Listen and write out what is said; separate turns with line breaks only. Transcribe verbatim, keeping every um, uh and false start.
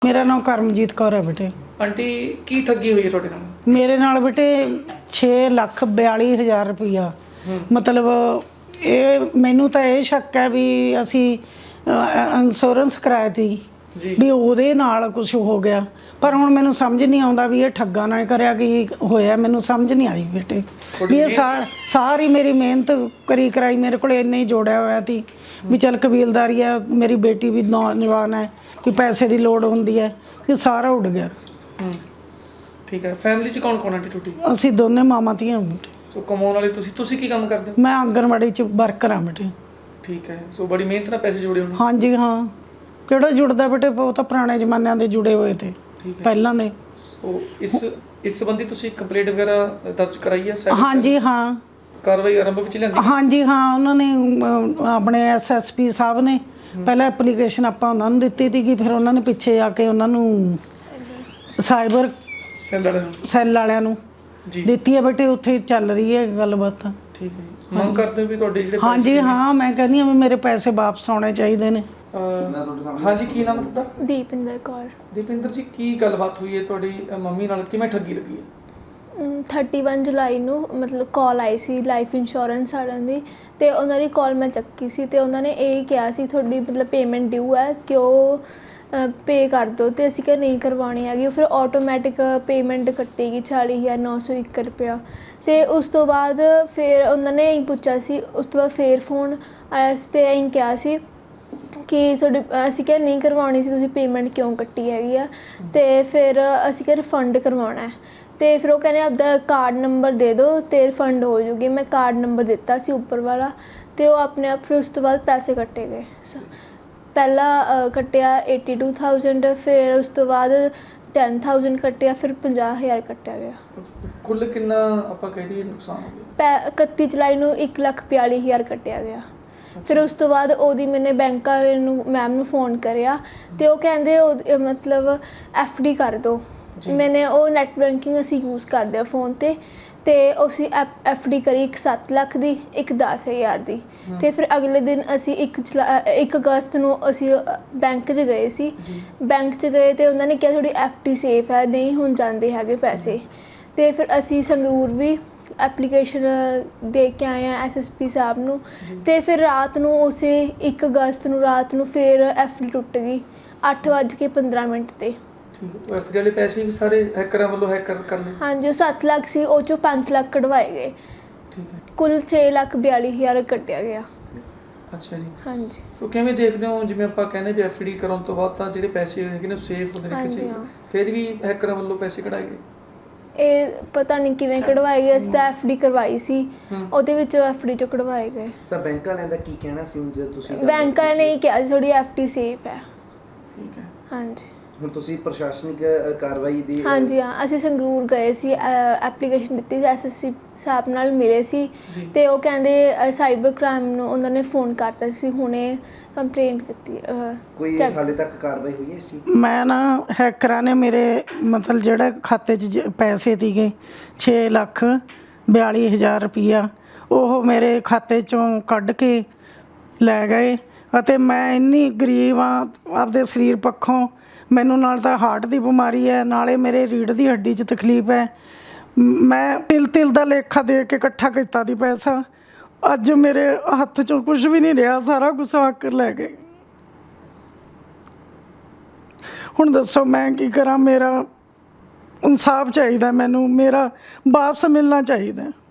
मेरा नाम करमजीत कौर है बेटे।
आंटी की ठगी हुई है ਤੁਹਾਡੇ ਨਾਲ?
मेरे नाल बेटे छे लख बयाली हज़ार रुपया मतलब ये मैनू तो ये शक है भी असी इंश्योरेंस कराया थी भी ਉਹਦੇ ਨਾਲ कुछ हो गया पर ਹੁਣ ਮੈਨੂੰ ਸਮਝ ਨਹੀਂ ਆਉਂਦਾ ਵੀ ਇਹ ਠੱਗਾ ਨਾ ਕਰਿਆ ਕੀ ਹੋਇਆ। ਮੈਨੂੰ ਸਮਝ ਨਹੀਂ ਆਈ ਬੇਟੇ ਵੀ ਇਹ ਸਾਰੀ ਮੇਰੀ ਮਿਹਨਤ ਕਰੀ ਕਰਾਈ ਮੇਰੇ ਕੋਲ ਇੰਨੇ ਹੀ ਜੋੜਿਆ ਹੋਇਆ ਸੀ ਵੀ ਚੱਲ ਕਬੀਲਦਾਰੀ ਹੈ, ਮੇਰੀ ਬੇਟੀ ਵੀ ਨੌਜਵਾਨ ਹੈ ਕਿ ਪੈਸੇ ਦੀ ਲੋੜ ਹੁੰਦੀ ਹੈ ਕਿ ਸਾਰਾ ਉੱਡ ਗਿਆ।
ਠੀਕ ਹੈ। ਫੈਮਿਲੀ ਚ ਕੌਣ ਕੌਣ ਆਂਟੀ ਟੁੱਟੀ?
ਅਸੀਂ ਦੋਨੇ ਮਾਮਾ ਧੀਆਂ ਬੇਟੇ।
ਸੋ ਕਮਾਉਣ ਵਾਲੇ ਤੁਸੀਂ ਤੁਸੀਂ ਕੀ ਕੰਮ ਕਰਦੇ ਹੋ?
ਮੈਂ ਆਂਗਣਵਾੜੀ ਚ ਵਰਕਰ ਹਾਂ ਬੇਟੇ।
ਠੀਕ ਹੈ। ਸੋ ਬੜੀ ਮਿਹਨਤ ਨਾਲ ਪੈਸੇ ਜੋੜੇ ਹੋਣੇ।
ਹਾਂਜੀ ਹਾਂ, ਕਿਹੜਾ ਜੁੜਦਾ ਬੇਟੇ, ਬਹੁਤ ਤਾਂ ਪੁਰਾਣੇ ਜ਼ਮਾਨਿਆਂ ਦੇ ਜੁੜੇ ਹੋਏ ਤੇ ਪਹਿਲਾਂ ਦੇ।
ਸੋ ਇਸ ਇਸ ਸੰਬੰਧੀ ਤੁਸੀਂ ਕੰਪਲੇਂਟ ਵਗੈਰਾ ਦਰਜ ਕਰਾਈ ਹੈ?
ਹਾਂਜੀ ਹਾਂ,
ਕਾਰਵਾਈ ਆਰੰਭ ਵਿੱਚ ਲਿਆਂਦੀ?
ਹਾਂਜੀ ਹਾਂ, ਉਹਨਾਂ ਨੇ ਆਪਣੇ ਐਸ ਐਸ ਪੀ ਸਾਹਿਬ ਨੇ ਪਹਿਲਾਂ ਐਪਲੀਕੇਸ਼ਨ ਆਪਾਂ ਉਹਨਾਂ ਨੂੰ ਦਿੱਤੀ ਸੀਗੀ, ਫਿਰ ਉਹਨਾਂ ਨੇ ਪਿੱਛੇ ਆ ਕੇ ਉਹਨਾਂ ਨੂੰ ਸਾਈਬਰ
ਸੈੱਲ ਵਾਲਿਆਂ ਨੂੰ
ਸੈੱਲ ਵਾਲਿਆਂ ਨੂੰ ਦਿੱਤੀ ਹੈ ਬੇਟੇ। ਉੱਥੇ ਚੱਲ ਰਹੀ ਹੈ ਗੱਲਬਾਤ।
ਠੀਕ ਹੈ। ਮੰਗ ਕਰਦੇ ਹੋ ਵੀ ਤੁਹਾਡੇ ਜਿਹੜੇ
ਹਾਂਜੀ ਹਾਂ, ਮੈਂ ਕਹਿੰਦੀ ਹਾਂ ਵੀ ਮੇਰੇ ਪੈਸੇ ਵਾਪਸ ਆਉਣੇ ਚਾਹੀਦੇ ਨੇ।
ਹਾਂਜੀ, ਕੀ ਨਾਮ ਹੈ ਤੁਹਾਡਾ?
ਦੀਪਿੰਦਰ ਕੌਰ।
ਦੀਪਿੰਦਰ ਜੀ, ਕੀ ਗੱਲਬਾਤ ਹੋਈ ਹੈ ਤੁਹਾਡੀ ਮੰਮੀ ਨਾਲ, ਕਿਵੇਂ ਠੱਗੀ ਲੱਗੀ ਹੈ?
ਇਕੱਤੀ ਜੁਲਾਈ ਨੂੰ ਮਤਲਬ ਕਾਲ ਆਈ ਸੀ ਲਾਈਫ ਇੰਸ਼ੋਰੈਂਸ ਵਾਲਿਆਂ ਦੀ, ਅਤੇ ਉਹਨਾਂ ਦੀ ਕਾਲ ਮੈਂ ਚੱਕੀ ਸੀ ਅਤੇ ਉਹਨਾਂ ਨੇ ਇਹ ਕਿਹਾ ਸੀ ਤੁਹਾਡੀ ਮਤਲਬ ਪੇਮੈਂਟ ਡਿਊ ਹੈ ਕਿ ਉਹ ਪੇ ਕਰ ਦਿਓ, ਅਤੇ ਅਸੀਂ ਕਿਹਾ ਨਹੀਂ ਕਰਵਾਉਣੀ ਹੈਗੀ। ਫਿਰ ਆਟੋਮੈਟਿਕ ਪੇਮੈਂਟ ਕੱਟੇਗੀ ਚਾਲੀ ਹਜ਼ਾਰ ਨੌ ਸੌ ਇੱਕ ਰੁਪਇਆ। ਅਤੇ ਉਸ ਤੋਂ ਬਾਅਦ ਫਿਰ ਉਹਨਾਂ ਨੇ ਇਹੀ ਪੁੱਛਿਆ ਸੀ, ਉਸ ਤੋਂ ਬਾਅਦ ਫਿਰ ਫੋਨ ਆਇਆ ਸੀ ਅਤੇ ਇਹੀ ਕਿਹਾ ਸੀ ਕਿ ਤੁਹਾਡੀ ਅਸੀਂ ਕਿਹਾ ਨਹੀਂ ਕਰਵਾਉਣੀ ਸੀ, ਤੁਸੀਂ ਪੇਮੈਂਟ ਕਿਉਂ ਕੱਟੀ ਹੈਗੀ ਆ। ਅਤੇ ਫਿਰ ਅਸੀਂ ਕਿਹਾ ਰਿਫੰਡ ਕਰਵਾਉਣਾ ਹੈ, ਅਤੇ ਫਿਰ ਉਹ ਕਹਿੰਦੇ ਆਪਦਾ ਕਾਰਡ ਨੰਬਰ ਦੇ ਦਿਓ ਅਤੇ ਰਿਫੰਡ ਹੋ ਜੂਗੀ। ਮੈਂ ਕਾਰਡ ਨੰਬਰ ਦਿੱਤਾ ਸੀ ਉੱਪਰ ਵਾਲਾ, ਅਤੇ ਉਹ ਆਪਣੇ ਆਪ ਫਿਰ ਉਸ ਤੋਂ ਬਾਅਦ ਪੈਸੇ ਕੱਟੇ ਗਏ। ਪਹਿਲਾਂ ਕੱਟਿਆ ਏਟੀ ਟੂ ਥਾਊਜੈਂਡ, ਫਿਰ ਉਸ ਤੋਂ ਬਾਅਦ ਟੈਨ ਥਾਊਜੈਂਡ ਕੱਟਿਆ, ਫਿਰ ਪੰਜਾਹ ਹਜ਼ਾਰ ਕੱਟਿਆ ਗਿਆ।
ਕੁੱਲ ਕਿੰਨਾ ਆਪਾਂ ਕਹਿ ਦਈਏ ਨੁਕਸਾਨ ਹੋ ਗਿਆ?
ਪੈ ਇਕੱਤੀ ਜੁਲਾਈ ਨੂੰ ਇੱਕ ਲੱਖ ਬਿਆਲੀ ਹਜ਼ਾਰ ਕੱਟਿਆ ਗਿਆ। ਫਿਰ ਉਸ ਤੋਂ ਬਾਅਦ ਉਹਦੀ ਮੈਨੇ ਬੈਂਕ ਵਾਲੇ ਨੂੰ ਮੈਮ ਨੂੰ ਫ਼ੋਨ ਕਰਿਆ ਅਤੇ ਉਹ ਕਹਿੰਦੇ ਉਹ ਮਤਲਬ ਐਫ ਡੀ ਕਰ ਦਿਓ। ਮੈਨੇ ਉਹ ਨੈੱਟ ਬੈਂਕਿੰਗ ਅਸੀਂ ਯੂਜ਼ ਕਰਦੇ ਹਾਂ ਫ਼ੋਨ 'ਤੇ, ਅਤੇ ਅਸੀਂ ਐਫ ਐਫ ਡੀ ਕਰੀ ਇੱਕ ਸੱਤ ਲੱਖ ਦੀ, ਇੱਕ ਦਸ ਹਜ਼ਾਰ ਦੀ। ਅਤੇ ਫਿਰ ਅਗਲੇ ਦਿਨ ਅਸੀਂ ਇੱਕ ਜੁਲਾ ਇੱਕ ਅਗਸਤ ਨੂੰ ਅਸੀਂ ਬੈਂਕ 'ਚ ਗਏ ਸੀ। ਬੈਂਕ 'ਚ ਗਏ ਅਤੇ ਉਹਨਾਂ ਨੇ ਕਿਹਾ ਤੁਹਾਡੀ ਐਫ ਡੀ ਸੇਫ ਹੈ, ਨਹੀਂ ਹੁਣ ਜਾਂਦੇ ਹੈਗੇ ਪੈਸੇ। ਅਤੇ ਫਿਰ ਅਸੀਂ ਸੰਗਰੂਰ ਵੀ ਐਪਲੀਕੇਸ਼ਨ ਦੇ ਕੇ ਆਏ ਹਾਂ ਐਸ ਐਸ ਪੀ ਸਾਹਿਬ ਨੂੰ, ਅਤੇ ਫਿਰ ਰਾਤ ਨੂੰ ਉਸੇ ਇੱਕ ਅਗਸਤ ਨੂੰ ਰਾਤ ਨੂੰ ਫਿਰ ਐਫ ਡੀ ਟੁੱਟ ਗਈ ਅੱਠ ਵੱਜ ਕੇ ਪੰਦਰਾਂ ਮਿੰਟ 'ਤੇ।
ਠੀਕ ਹੈ। ਐਫ ਡੀ ਵਾਲੇ ਪੈਸੇ ਵੀ ਸਾਰੇ ਹੈਕਰਾਂ ਵੱਲੋਂ ਹੈਕਰ ਕਰ ਲਏ? ਹਾਂਜੀ,
ਉਹ ਸੱਤ ਲੱਖ ਸੀ, ਉਹ 'ਚੋਂ ਪੰਜ ਲੱਖ ਕਢਵਾਏ ਗਏ।
ਠੀਕ ਹੈ।
ਕੁੱਲ ਛੇ ਲੱਖ ਬਿਆਲੀ ਹਜ਼ਾਰ ਕੱਟਿਆ ਗਿਆ।
ਅੱਛਾ ਜੀ।
ਹਾਂਜੀ।
ਸੋ ਕਿਵੇਂ ਦੇਖਦੇ ਹੋ, ਜਿਵੇਂ ਆਪਾਂ ਕਹਿੰਦੇ ਵੀ ਐਫ ਡੀ ਕਰਾਉਣ ਤੋਂ ਬਾਅਦ ਤਾਂ ਜਿਹੜੇ ਪੈਸੇ ਹੈਗੇ ਨੇ ਸੇਫ ਹੁੰਦੇ ਨੇ ਕਿਸੇ, ਫਿਰ ਵੀ ਹੈਕਰਾਂ ਵੱਲੋਂ ਪੈਸੇ ਕਢਾਏ ਗਏ? ਇਹ
ਪਤਾ ਨਹੀਂ ਕਿਵੇਂ ਕਢਵਾਏ ਗਏ। ਅਸੀਂ ਤਾਂ ਐਫ ਡੀ ਕਰਵਾਈ ਸੀ, ਉਹਦੇ ਵਿੱਚੋਂ ਐਫ ਡੀ 'ਚੋਂ ਕਢਵਾਏ ਗਏ।
ਤਾਂ ਬੈਂਕ ਵਾਲਿਆਂ ਦਾ ਕੀ ਕਹਿਣਾ ਸੀ ਹੁਣ ਜਦੋਂ ਤੁਸੀਂ?
ਬੈਂਕ ਵਾਲਿਆਂ ਨੇ ਇਹ ਕਿਹਾ ਸੀ ਤੁਹਾਡੀ ਐਫ ਡੀ ਸੇਫ ਹੈ।
ਠੀਕ ਹੈ। ਹਾਂਜੀ।
ਹੁਣ ਤੁਸੀਂ ਪ੍ਰਸ਼ਾਸਨਿਕ ਕਾਰਵਾਈ ਦੀ?
ਹਾਂਜੀ ਹਾਂ, ਅਸੀਂ ਸੰਗਰੂਰ ਗਏ ਸੀ, ਐਪਲੀਕੇਸ਼ਨ ਦਿੱਤੀ ਸੀ, ਐਸ ਐਸ ਸੀ ਸਾਹਿਬ ਨਾਲ ਮਿਲੇ ਸੀ, ਅਤੇ ਉਹ ਕਹਿੰਦੇ ਸਾਈਬਰ ਕ੍ਰਾਈਮ ਨੂੰ ਉਹਨਾਂ ਨੇ ਫ਼ੋਨ ਕਰਤਾ ਸੀ, ਹੁਣੇ ਕੰਪਲੇਂਟ ਕੀਤੀ।
ਕੋਈ ਹਾਲੇ ਤੱਕ ਕਾਰਵਾਈ ਹੋਈ ਹੈ ਇਸ ਚੀਜ਼?
ਮੈਂ ਨਾ ਹੈਕਰਾਂ ਨੇ ਮੇਰੇ ਮਤਲਬ ਜਿਹੜਾ ਖਾਤੇ 'ਚ ਪੈਸੇ ਸੀਗੇ ਛੇ ਲੱਖ ਬਿਆਲੀ ਹਜ਼ਾਰ ਰੁਪਈਆ, ਉਹ ਮੇਰੇ ਖਾਤੇ 'ਚੋਂ ਕੱਢ ਕੇ ਲੈ ਗਏ। ਅਤੇ ਮੈਂ ਇੰਨੀ ਗਰੀਬ ਹਾਂ ਆਪਦੇ ਸਰੀਰ ਪੱਖੋਂ, ਮੈਨੂੰ ਨਾਲ ਤਾਂ ਹਾਰਟ ਦੀ ਬਿਮਾਰੀ ਹੈ, ਨਾਲੇ ਮੇਰੇ ਰੀੜ੍ਹ ਦੀ ਹੱਡੀ 'ਚ ਤਕਲੀਫ ਹੈ। ਮੈਂ ਤਿਲ ਤਿਲ ਦਾ ਲੇਖਾ ਦੇ ਕੇ ਇਕੱਠਾ ਕੀਤਾ ਦੀ ਪੈਸਾ, ਅੱਜ ਮੇਰੇ ਹੱਥ 'ਚੋਂ ਕੁਝ ਵੀ ਨਹੀਂ ਰਿਹਾ, ਸਾਰਾ ਕੁਛ ਹੱਕ ਲੈ ਗਏ। ਹੁਣ ਦੱਸੋ ਮੈਂ ਕੀ ਕਰਾਂ? ਮੇਰਾ ਇਨਸਾਫ ਚਾਹੀਦਾ, ਮੈਨੂੰ ਮੇਰਾ ਵਾਪਸ ਮਿਲਣਾ ਚਾਹੀਦਾ।